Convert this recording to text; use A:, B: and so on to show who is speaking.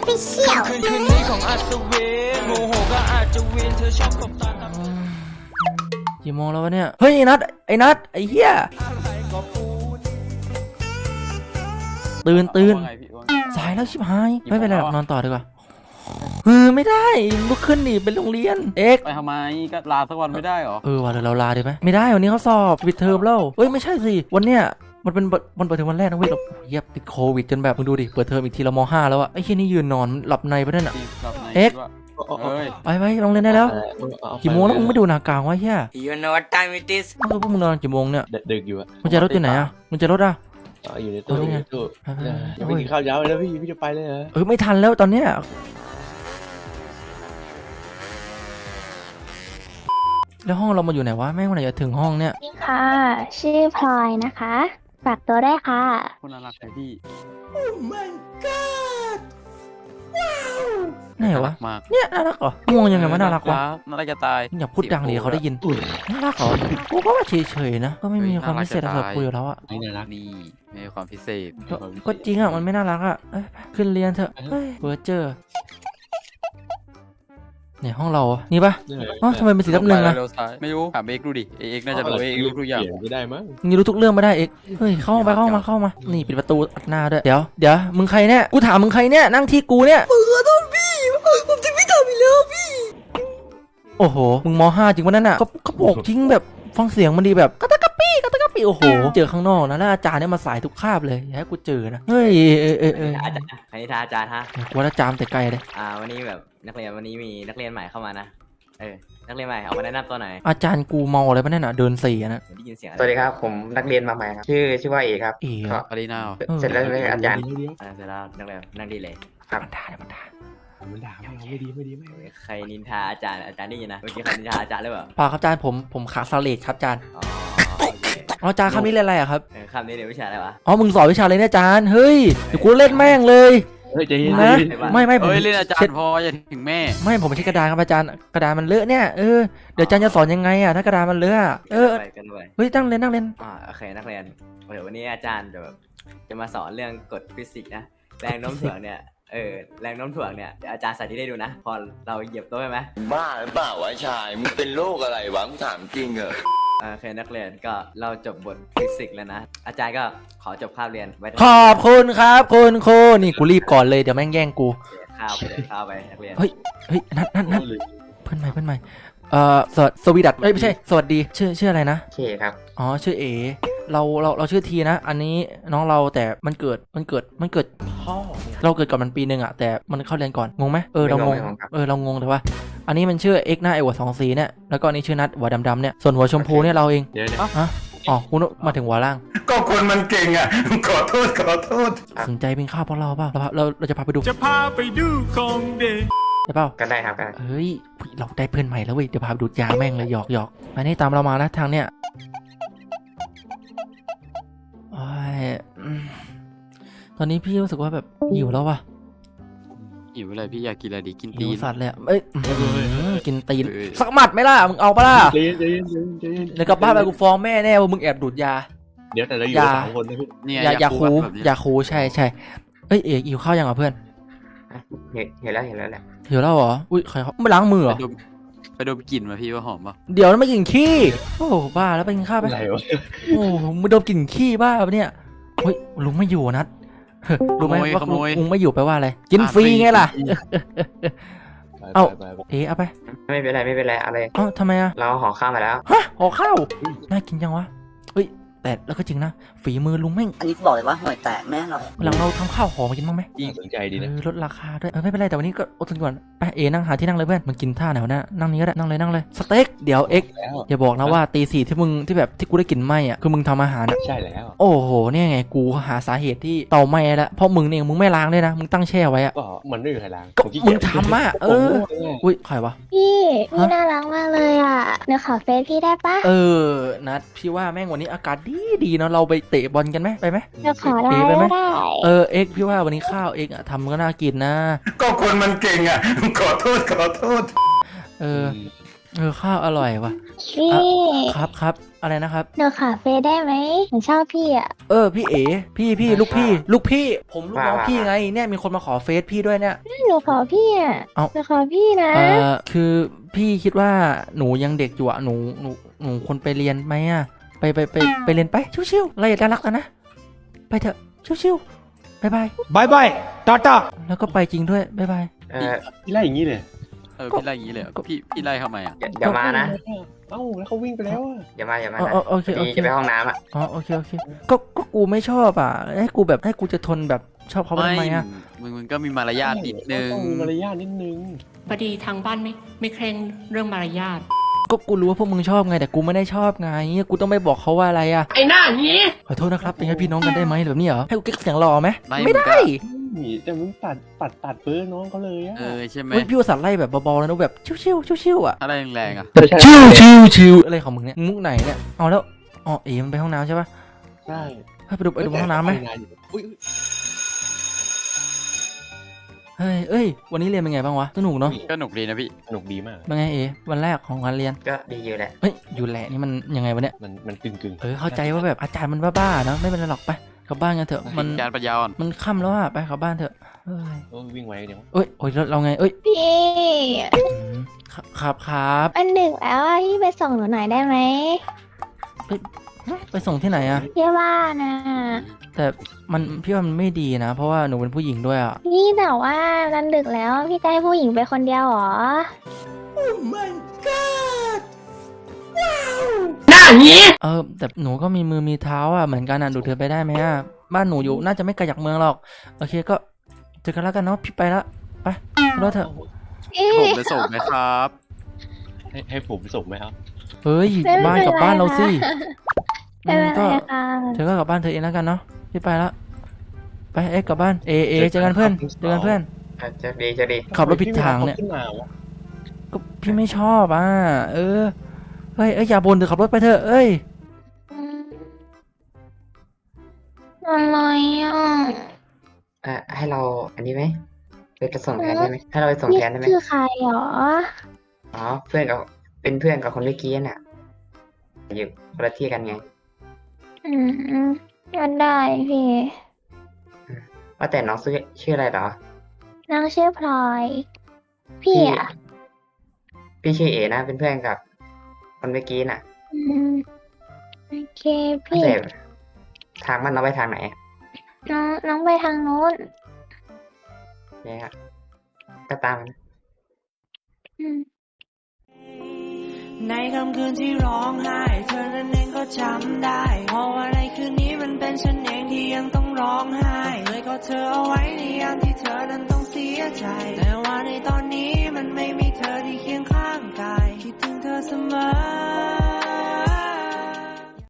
A: Official
B: คืนนี้ของอัศวินโมโหก็อาจจะวินเธอชอบตบตา
C: กี่โมงแล้ววะเนี่ยเฮ้ยไอ้นัทไอ้เหี้ยตื่นสายแล้วชิบหายไม่เป็นไรหรอกนอนต่อดีกว่าไม่ได้ลุกขึ้นดิเป็นโรงเรียนเอ็ก
D: ไปทำไมก็ลาสักวันไม่ได้หรอ
C: วันเราลาดีไหมไม่ได้วันนี้เขาสอบปิดเทอมแล้วไม่ใช่สิวันเนี้ยมันเป็นวันเปิดเทอมวันแรกนะเว้ยเราเย็บติดโควิดจนแบบมึงดูดิเปิดเทอมอีกทีเราม.5แล้วอะไอ้เหี้ยนี่ยืนนอนหลับในไปนั่นอะเอ็กไปโรงเรียนได้แล้วกี่โมงแล้วมึงไม่ดูหน้ากลางวะเฮีย
E: You know what time it is
C: พวกมึงนอนกี่โมงเนี่ย
F: ดึกอยู่อะ
C: มึงจะรถอยู่ไหนอะมึงจะรถอะ
F: อยู่ในตู้ยังไม่กินข้าวยาวเลยนะพี่จะไปเลยเหรอ
C: ไม่ทันแล้วตอนเนี้ยแล้วห้องเรามาอยู่ไหนวะแม่งวันไหนจะถึงห้องเนี่ย
A: นี่ค่ะชื่อพลอยนะคะฝากตัวได้ค่ะ
D: คนน่ารักเลยพี่
C: Oh my god ไหนวะเนี่ยน่ารักเหรอมองยังไงว่าน่ารักวะ
D: น่ารักจะตาย
C: อย่าพูดดังดิเขาได้ยินน่ารักเหรอกูก็ว่าเฉยๆนะก็ไม่มีความพิเศษอะไรคุยอยู่แล้วอะ
D: ไม่น่ารักนี่ไม่มีความพิเศษ
C: ก็จริงอะมันไม่น่ารักอะขึ้นเรียนเถอะเบอร์เจอร์เนี่ยห้องเรานี่ปะทำไมเป็นสีดำหนึ่งอะ
D: ไม่รู้ถามเอกดูดิเอกน่าจะรู้เอกรู้ทุกอย่าง
F: ไม่ได้มั้ง
C: นี่รู้ทุกเรื่องไม่ได้เอกเฮ้ยเข้ามานี่ปิดประตูอัดหน้าด้วยเดี๋ยวมึงใครเนี่ยกูถามมึงใครเนี่ยนั่งที่กูเนี่ยมึงขอโทษพี่ผมจะไม่ทำอีกแล้วพี่โอ้โหมึงม.5 จริงวะนั่นอะก็บอกจริงแบบฟังเสียงมันดีแบบกระตะกะปี้โอ้โหเจอข้างนอกนะแล้วอาจารย์เนี่ยมาสายทุกคาบเลยอย่าให้กูเจอนะเฮ้ย
E: คณิตอาจารย์ฮะ
C: กูว่าอาจารย์แต่ไกลเลย
E: วันนี้แบบนักเรียนวันนี้มีนักเรียนใหม่เข้ามานะนักเรียนใหม่เอามาแนะนำตัวหน่อย
C: อาจารย์กูเมาอะไรปะเนี่ยเดินสี่นะ
E: ได้ยินเสียง
G: สวัสดีครับผมนักเรียนมาใหม่ครับชื่อว่าเอกครับ
C: เอก
D: อารีนา
G: เสร็จแล้วเลยอาจารย์
E: เสร็จแล้วนักเรียนนั่งดีเลย
G: ครับ
C: มันด่าเรา
F: ไม่ดี
E: ใครนินทาอาจารย์ได้ยินนะเมื่อกี้ใครนินทาอาจารย์หรือเปล่า
C: เปล่าครับอาจารย์ผมขาสเลดครับอาจารย์อาจารย์คำนี้เรียนอะไรอะครับ
E: คำนี้เรียนวิชาอะไรวะ
C: มึงสอนวิชาอะไรเนี่ยอาจารย์เฮ้ยเดี๋ยวกูเล่นแม่งเลย
F: ใจเย็น
C: นะไม่
D: ผมเล่นอาจารย์พออย่าถึงแม่
C: ไม่ผมไม่ใช่กระดานครับอาจารย์กระดานมันเลอะเนี่ยเดี๋ยวอาจารย์จะสอนยังไงอะถ้ากระดานมันเลอะเฮ้ยนั่งเล่น
E: โอเคนักเรียนเดี๋ยววันนี้อาจารย์จะมาสอนเรื่องกฎฟิสิกส์นะแรงโน้มถ่วงเนี่ยแรงโน้มถ่วงเนี่ยอาจารย์สาธิตให้ดูนะพอเราเหยียบโต๊ะใช่ไหม
H: บ้าหรือเปล่าวะชายมึงเป็นโรคอะไรวะมึงถามจริงเหรอ
E: โอเคนักเรียนก็เราจบบทฟิสิกส์แล้วนะอาจารย์ก็ขอจบคาบเรียนไว้
C: ขอบคุณครับคุณครูนี่กูรีบก่อนเลยเดี๋ยวแม่งแย่งกู
E: ข้าวไปนักเรียน
C: เฮ้ยนัดเพื่อนใหม่สวีดัตไม่ใช่สวัสดีชื่ออะไรนะ
G: เคครับ
C: ชื่อเอเราชื่อทีนะอันนี้น้องเราแต่มันเกิด
F: พ่อ
C: เราเกิดก่อนมันปีนึงอะแต่มันเข้าเรียนก่อนงงไหมเรางงเรางงแต่ว่าอันนี้มันชื่อเอ็กหน้าไอหัว2 สีเนี่ยแล้วก็อันนี้ชื่อนัดหัวดำเนี่ยส่วนหัวชมพูเนี่ยเราเองคุณมาถึงหัวล่าง
I: ก็คนมันเก่งอ่ะขอโทษ
C: สนใจเป็นข้าวเพราะเราเปล่าเราจะพาไปดูได้เปล่า
G: กันได้ครับ
C: เฮ้ยเราได้เพื่อนใหม่แล้วเว้ยเดี๋ยวพาไปดูยาแม่งเลยหยอกอันนี้ตามเรามานะทางเนี้ยตอนนี้พี่รู้สึกว่าแบบหิวแล้วว่ะ
D: หิวอะไรพี่อยากกินอะไรดีกินตีน
C: สัตว์เลยกินตีนสักหมัดไหมล่ะมึงเอาปะล่ะ
F: เย็น
C: แล้วกลับบ้านไปกูฟ้องแม่แน่ว่ามึงแอบดูดยา
F: เดี๋ยวแต่เราอยู่3 คนนะพี่
C: ยาคูใช่เอกหิวข้าวยังอ่ะเพื่อน
G: เห็นแล้วแหละ
C: หิวแล้วเหรออุ้ยใครเขาไม่ล้างมือเหรอ
D: ไปดมกลิ่นมาพี่ว่าหอมป่ะ
C: เดี๋ยวนั้นไม่กินขี้โอ้บ้าแล้วไปกินข้าวไปโอ้มึงดมกลิ่นขี้บ้าปะเนี่ยเฮ้ยลุงไม่อยู่นัดรู้ไหมว่าลุงไม่อยู่แปลว่าอะไรกินฟรีไงล่ะเอาไป
G: ไม่เป็นไรอะไร
C: ทำไมอะ
G: เราห่อข้าวมาแล้ว
C: ห่อข้าวน่ากินจังวะเฮ้ยแต่แล้วก็จริงนะฝีมือลุงแม่ง
E: อันนี้บอกเลยว่าห่วยแตกแม่เรา
C: หลังเราทำข้าวหอมมากินบ้างไหม
F: สนใจดีนะ
C: ลดราคาด้วยไม่เป็นไรแต่วันนี้ก็อดทนก่อนไปนั่งหาที่นั่งเลยเพื่อนมันกินท่าไหนวะเนี่ยนั่งนี้ก็ได้นั่งเลยสเต็กเดี๋ยวอย่าบอกนะว่าตี4ที่แบบที่กูได้กินไหมอ่ะคือมึงทำอาหาร
F: ใช่แล้ว
C: โอ้โหเนี่ยไงกูหาสาเหตุที่เตาไหม้แล้วเพราะมึงเนี่ยมึงไม่ล้างด้วยนะมึงตั้งแช่ไว้อ่ะ
F: ก็มันไม่มีใครล้าง
C: ก็มึงทำอ่ะอุ้ยใครวะ
A: พี่น่ารักมากเลยอ่ะเดี๋ยวขอเฟซพี่ได้ปะ
C: นัดพี่ว่าแม่งวันนี้อากาศดีเนาะเราไปเตะบอลกันไหมไปไหม
A: จะขอได้ไหม
C: พี่ว่าวันนี้ข้าวทำก็น่ากินนะ
I: ก็คนมันเก่งอ่ะขอโทษ
C: ข้าวอร่อยว่ะ
A: พี่
C: ครับอะไรนะครับ
A: หนูขอเฟซได้ไหมหนูชอบพี่อ่ะ
C: พี่เอ๋พี่ลูกพี่ผมลูกน้องพี่ไงเนี่ยมีคนมาขอเฟซพี่ด้วยเนี่ย
A: หนูขอพี่อ่ะ
C: เอ้า
A: หนูขอพี่นะ
C: คือพี่คิดว่าหนูยังเด็กอยู่อะหนูควรไปเรียนไหมอะไปเรียนไปชิวๆเราอย่ารักกันนะไปเถอะชิวๆบายบายต่อแล้วก็ไปจริงด้วยบายบาย
F: พี่ไล่อย่างนี้เลย
D: พี่ไล่อย่างนี้เลยเหรอพี่ไล่ทำไมอ่ะ
G: เดี๋ยวมานะ
F: เอ้าแล้วเขาวิ่งไปแล้วอะ
G: อย่ามานะ
C: โอเค
G: พอดีจะไปห้องน้ำอ่ะ
C: โอเคก็กูไม่ชอบอ่ะให้กูจะทนแบบชอบเขาไปทำไมอ่ะ
D: มึงก็มีมารยาทนิดนึง
F: ต้องมีมารยาทนิดนึง
J: พอดีทางบ้านไม่เคร่งเรื่องมารยาท
C: ก็กูรู้ว่าพวกมึงชอบไงแต่กูไม่ได้ชอบไงกูต้องไปบอกเขาว่าอะไรอ่ะ
J: ไอ้หน้านี้
C: ขอโทษนะครับเป็นไงพี่น้องกันได้ไหมแบบนี้เหรอให้กูเก๊กเสียงหล่อไหม
D: ไม่
C: ไม่ได้
F: นี่แต่มึงตัดเบอร์น้องเขาเลยอะ
D: ใช่ไหม
C: เฮ้ยพี่อุตส่าห์ไล่แบบเบาๆแล้วนะแบบชิวๆอ่ะ
D: อะไรแรงๆอ่ะ
C: ชิวอะไรของมึงเนี่ยมุกไหนเนี่ยเอาแล้วมันไปห้องน้ำใช่ปะ
F: ใช่
C: ไปดูห้องน้ำไหม
F: อุ้ย
C: เอ้ยวันนี้เรียนเป็นไงบ้างวะสนุกเนาะ
D: ก็หนุกดีนะพี่
F: สนุกดีมาก
C: เป็นไงวันแรกของการเรียน
G: ก็ดีอยู่แหละ
C: เฮ้ยอยู่แหละนี่มันยังไงวะเนี่ย
F: มันกึ่ง
C: เข้าใจว่าแบบอาจารย์มันบ้าๆเนาะไม่เป็นไรหรอกไปกลับบ้านกันเถอะมัน
D: การปัญญาอ่อน
C: มันค่ำแล้วอะไปกลับบ้านเถอะเอ้ย
F: โอ้ยวิ่งไวเดี๋ยว
C: โอ้ยเราไง
A: พี่
C: อืมครับ
A: มันดึกแล้วอะพี่ไปส่งหนูหน่อยได้ไหม
C: ไปส่งที่ไหนอะ
A: พี่ว่านะ
C: แต่พี่ว่ามันไม่ดีนะ เพราะว่าหนูเป็นผู้หญิงด้วยอะ
A: พี่แต่ว่ามันดึกแล้วพี่จะให้ผู้หญิงไปคนเดียวเหรอ
C: แต่หนูก็มีมือมีเท้าอะเหมือนกันอะดูเธอไปได้ไหมอะบ้านหนูอยู่น่าจะไม่ไกลจากเมืองหรอกโอเคก็เจอกันแล้วกันเนาะพี่ไปละไปรถเถอะ
D: ผมไปส่งไหมครับ
F: ให้ผมส่งไหมครับ
C: เฮ้ยบ้านกับบ้านเราสิ
A: ไม่เป็น
C: ก็
A: ไรค่ะ
C: เธอก็กลับบ้านเธอเองแล้วกันเนาะพี่ไปละไปกลับบ้านเอเจอกันเพื่อน
G: จะดี
C: ขับรถผิดทางเนี่ย
F: ขึ้นมาวะ
C: ก็พี่ไม่ชอบอ่ะเฮ้ยอย่าบ่นเถอะขับรถไปเถอะเอ้ย
A: อะไรอ่ะ
G: ให้เราอันนี้ไหมไปส่งแทนได้ไหมให้เราไปส่ง
A: นี่
G: แทนได้ไหม
A: คือใครหรอ
G: อ๋อเป็นเพื่อนกับคนเมื่อกี้น่ะอยู่คนละที่กันไง
A: ก็ได้พี่
G: ว่าแต่น้องชื่ออะไรเหรอ
A: น้องชื่อพลอย พี่อ่ะ
G: พี่ชื่อเอนะเป็นเพื่อนกับคนเมื่อกี้น่ะ
A: โอเคพี่
G: แต่ทางมันเราไปทางไหน
A: น้องไปทางนู้น
G: เนี่ยก็ตามมัน
B: ในค่ำคืนที่ร้องไห้เธอนั้นเองก็จำได้เพราะว่าในคืนนี้มันเป็นฉันเองที่ยังต้องร้องไห้เลยก็เธอเอาไว้ในยามที่เธอนั้นต้องเสียใจแต่ว่าในตอนนี้มันไม่มีเธอที่เคียงข้างกายคิดถึงเธอเสมอ